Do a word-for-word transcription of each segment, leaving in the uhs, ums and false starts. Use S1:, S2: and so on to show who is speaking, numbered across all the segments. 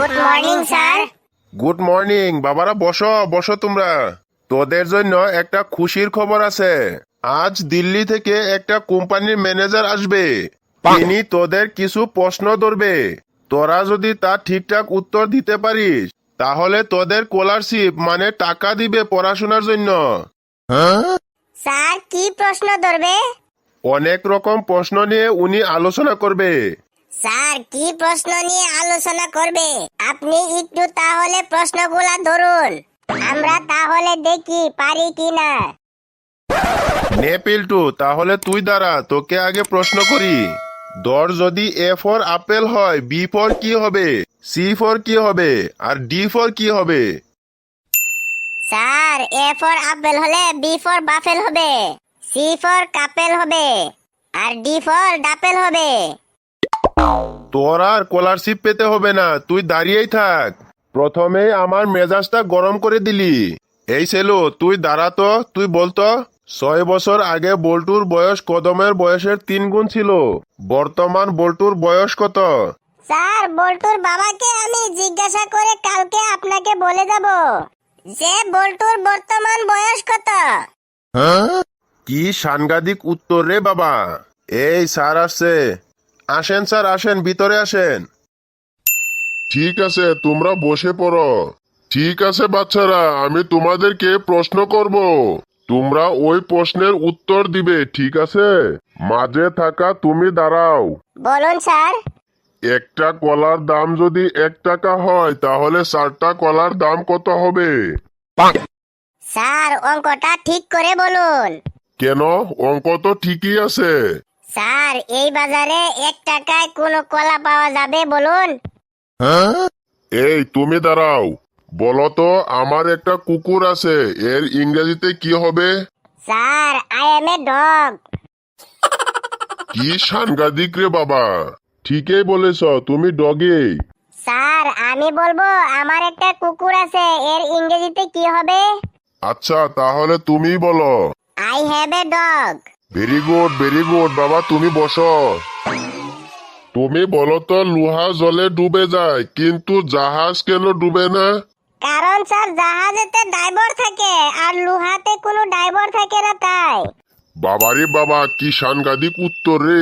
S1: Good morning sir.
S2: Good morning. বাবারা বসো বসো তোমরা। তোদের জন্য একটা খুশির খবর আছে। আজ দিল্লি থেকে একটা কোম্পানির ম্যানেজার আসবে। তিনি তোদের কিছু প্রশ্ন ধরবে। তোরা যদি তার ঠিকঠাক উত্তর দিতে পারিস তাহলে তোদের স্কলারশিপ মানে টাকা দিবে পড়াশোনার জন্য।
S1: স্যার কি প্রশ্ন ধরবে?
S2: অনেক রকম প্রশ্ন নিয়ে উনি আলোচনা করবে।
S1: স্যার কি প্রশ্ন নিয়ে আলোচনা করবে? আপনি একটু তাহলে প্রশ্নগুলা ধরুন, আমরা তাহলে দেখি পারি কিনা।
S2: নে পিল্টু, তাহলে তুই দাঁড়া, তোকে আগে প্রশ্ন করি। ধর যদি এ ফর আপেল হয়, বি ফর কি হবে, সি ফর কি হবে, আর ডি ফর কি হবে?
S1: স্যার এ ফর আপেল হলে বি ফর বাফেল হবে, সি ফর কাপেল হবে, আর ডি ফর ডাপেল হবে।
S2: তোর আর স্কলারশিপ পেতে হবে না, তুই দাঁড়িয়েই থাক। প্রথমে আমার মেজাজটা গরম করে দিলি। এই ছেলো, তুই দাঁড়া তো। তুই বলতো ছয় বছর আগে বল্টুর বয়স কদমের বয়সের তিন গুণ ছিল। বর্তমান বল্টুর বয়স কত?
S1: স্যার বল্টুর বাবাকে আমি জিজ্ঞাসা করে কালকে আপনাকে বলে যাব যে বল্টুর বর্তমান বয়স কত।
S2: কি সাংঘাতিক উত্তর রে বাবা। এই স্যার আসছে। আসেন স্যার, আসেন, ভিতরে আসেন।
S3: ঠিক আছে, তোমরা বসে পড়ো। ঠিক আছে বাচ্চারা, আমি তোমাদেরকে প্রশ্ন করব। তোমরা ওই প্রশ্নের উত্তর দিবে, ঠিক আছে? মাঝে থাকা তুমি দাঁড়াও।
S1: বলুন স্যার।
S3: একটা কলার দাম যদি এক টাকা হয় তাহলে চারটা কলার দাম কত হবে?
S1: স্যার অঙ্কটা ঠিক করে বলুন।
S3: কেন? অঙ্ক তো ঠিকই আছে।
S1: স্যার এই বাজারে এক টাকায় কোনো কলা পাওয়া যাবে বলুন?
S3: এই তুমি দাঁড়াও। বলো তো, আমার একটা কুকুর আছে, এর ইংরেজিতে কি হবে?
S1: Sir I am a dog.
S3: কি সাংঘাতিক রে বাবা। ঠিকই বলেছ, তুমি ডগি।
S1: স্যার আমি বলবো আমার একটা কুকুর আছে, এর ইংরেজিতে কি হবে?
S3: আচ্ছা তাহলে তুমি বলো।
S1: I have a dog.
S3: Very good, very good বাবা, তুমি বসো। তুমি বলো তো, লোহা জলে ডুবে যায় কিন্তু জাহাজ কেন ডুবে না?
S1: কারণ স্যার জাহাজেতে ড্রাইভার থাকে আর লোহাতে কোনো ড্রাইভার থাকে না তাই।
S3: বাবারে বাবা, কি সাংঘাতিক উত্তর রে।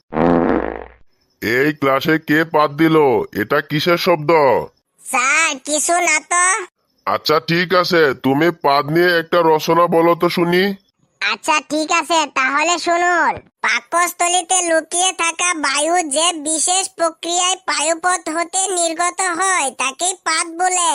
S3: এই ক্লাসে কে পাত দিল? এটা কিসের শব্দ?
S1: স্যার কিছু না তো।
S3: আচ্ছা ঠিক আছে, তুমি পাদ নিয়ে একটা রচনা বলো তো শুনি।
S1: আচ্ছা ঠিক আছে তাহলে শুনুন। পাকস্থলীতে লুকিয়ে থাকা বায়ু যে বিশেষ প্রক্রিয়ায় বায়ুপথ হতে নির্গত হয় তাকে পাদ বলে।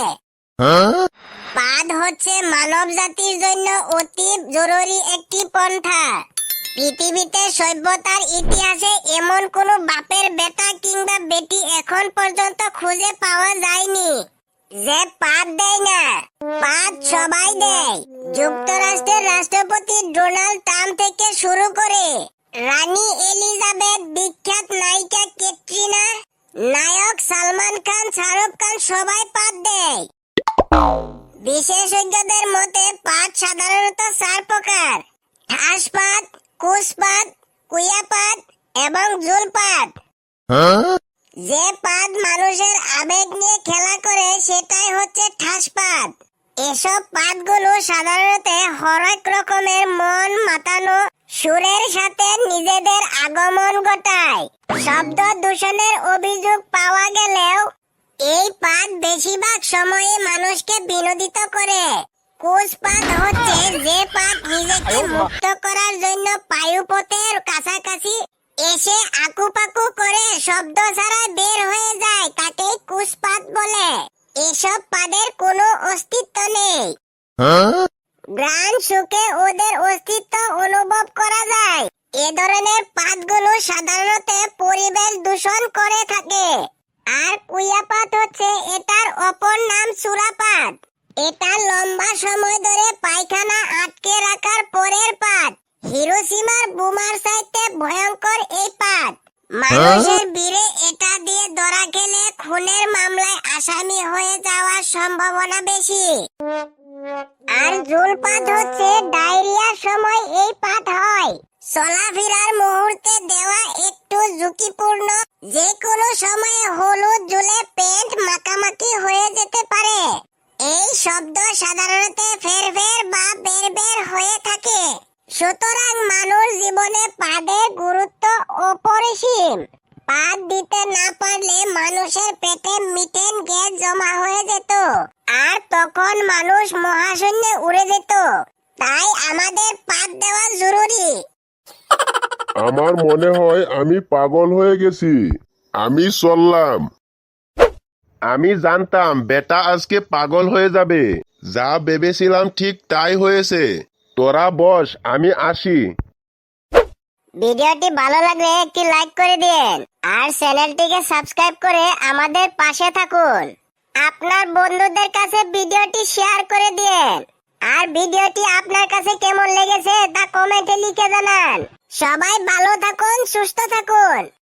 S1: পাদ হচ্ছে মানব জাতির জন্য অতি জরুরি একটি পন্থা। পৃথিবীতে সভ্যতার ইতিহাসে এমন কোনো বাপের বেটা কিংবা বেটি এখন পর্যন্ত খুঁজে পাওয়া যায়নি যে পাদ দেয় না। পাদ সবাই দেয়। যুক্তরাষ্ট্রের রাষ্ট্রপতি ডোনাল্ড ট্রাম্প থেকে শুরু করে রানী এলিজাবেথ, বিখ্যাত নায়িকা ক্যাটরিনা, নায়ক সালমান খান, শাহরুখ খান সবাই পাদ দেয়। বিশেষজ্ঞদের মতে পাদ সাধারণত চার প্রকার: ঠাসপাত, কুশপাত, কুয়াপাত এবং ঝুলপাত। যে পাদ মানুষের আবেগ নিয়ে খেলা করে সেটাই হচ্ছে ঠাসপাত। এসব পাতগুলো সাধারণত হরেক রকমের মন মাতানো সুরের সাথে নিজেদের আগমন ঘটায়। শব্দ দূষণের অভিযোগ পাওয়া গেলেও এই পাত বেশিরভাগ সময়ে মানুষকে বিনোদিত করে। কুশপাত হচ্ছে যে পাত নিজেকে মুক্ত করার জন্য বায়ুপথের কাছাকাছি এসে আকুপাকু করে শব্দ ছাড়া বের হয়ে যায়, তাকে কুশপাত বলে। এসব পাদের কোনো অস্তিত্ব নেই। ঘ্রাণ সুখে ওদের অস্তিত্ব অনুভব করা যায়। এ ধরনের পাতগুলো সাধারণত পরিবেশ দূষণ করে থাকে। আর কুয়াপাত হচ্ছে এটার অপর নাম চূড়াপাত। এটা লম্বা সময় ধরে পায়খানা আটকে রাখার পরের পাত। হিরোশিমার বোমার চাইতে ভয়ঙ্কর এই পাত। মানুষের ভিড়ে এটা দিয়ে ধরা খেলে খুনের মামলায় আসামি হয়ে যাওয়ার সম্ভাবনা বেশি। আর ঝুলপাত হচ্ছে ডায়রিয়ার সময় এই পাত হয়। চলাফেরার মুহূর্তে দেওয়া একটু ঝুঁকিপূর্ণ যে কোনো সময়ে হলুদ জলে পেন্ট মাখামাখি হয়ে যেতে পারে। এই শব্দ সাধারণত ফের ফের বা বের বের হয়ে থাকে। সুতরাং মানুষ জীবনে পাদের গুরুত্ব অপরিসীম। পাদ দিতে না পারলে মানুষের পেটে মিথেন গ্যাস জমা হয়ে যেত, আর তখন মানুষ মহাশূন্যে উড়ে যেত। তাই আমাদের পাদ দেওয়া জরুরি।
S3: আমার মনে হয় আমি পাগল হয়ে গেছি। আমি চললাম।
S2: আমি জানতাম বেটা আজকে পাগল হয়ে যাবে। যা ভেবেছিলাম ঠিক তাই হয়েছে। তোরা বস, আমি আসি।
S1: ভিডিওটি ভালো লাগলে একটি লাইক করে দিন, আর চ্যানেলটিকে সাবস্ক্রাইব করে আমাদের পাশে থাকুন। আপনার বন্ধুদের কাছে ভিডিওটি শেয়ার করে দিন, আর ভিডিওটি আপনার কাছে কেমন লেগেছে তা কমেন্টে লিখে জানান। সবাই ভালো থাকুন, সুস্থ থাকুন।